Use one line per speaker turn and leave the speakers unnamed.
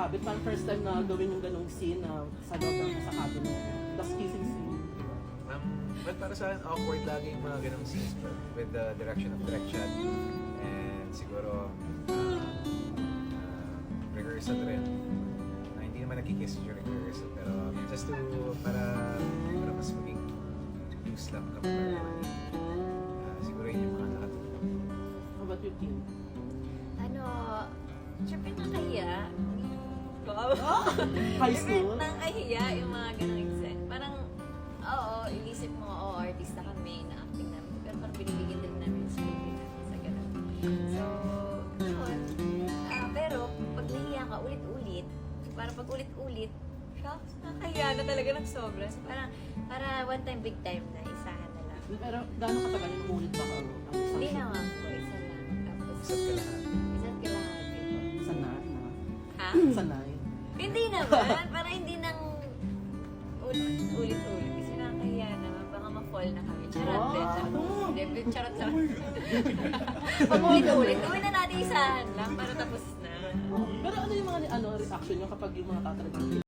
cabin? Parang first time na gawin yung ganong scene na sa loob ng sa cabin mo. Tapos kissing scene.
But para sa akin, awkward lagi yung mga ganong scenes with the direction of direct shot. And siguro, rehearsal rin. Hindi naman nagkikiss during rehearsal, pero just to, para mas maging loose lang kapag siguro yun yung mga nakatulong.
How about your team?
Siyempre nakahiya.
High
Siyempre
school?
nakahiya yung mga ganong exam. Parang, oo, inisip mo, artista kami, na-acting namin. Pero parang binibigyan din namin yung script namin sa ganun. So, yun. Pero, pag nahiya ka ulit-ulit, parang pag ulit-ulit, shucks, nakahiya na talaga ng sobra. So, para one time, big time na, isahan na lang.
Pero gano'ng katagal yung ulit ba ang isang
Hindi
show?
naman po, isa lang. Tapos,
Isa't ka lahat.
isa't kalahati po.
Sanay na.
Ha?
Sanay.
Hindi naman, para hindi nang ulit-ulit. Kasi nakakahiya naman, baka ma-fall na kami. Charot,
Wow.
charot. Charot. Pag ulit-ulit, gawin na natin isahan lang para tapos na.
Pero ano yung mga reaction nyo kapag yung mga tatalagin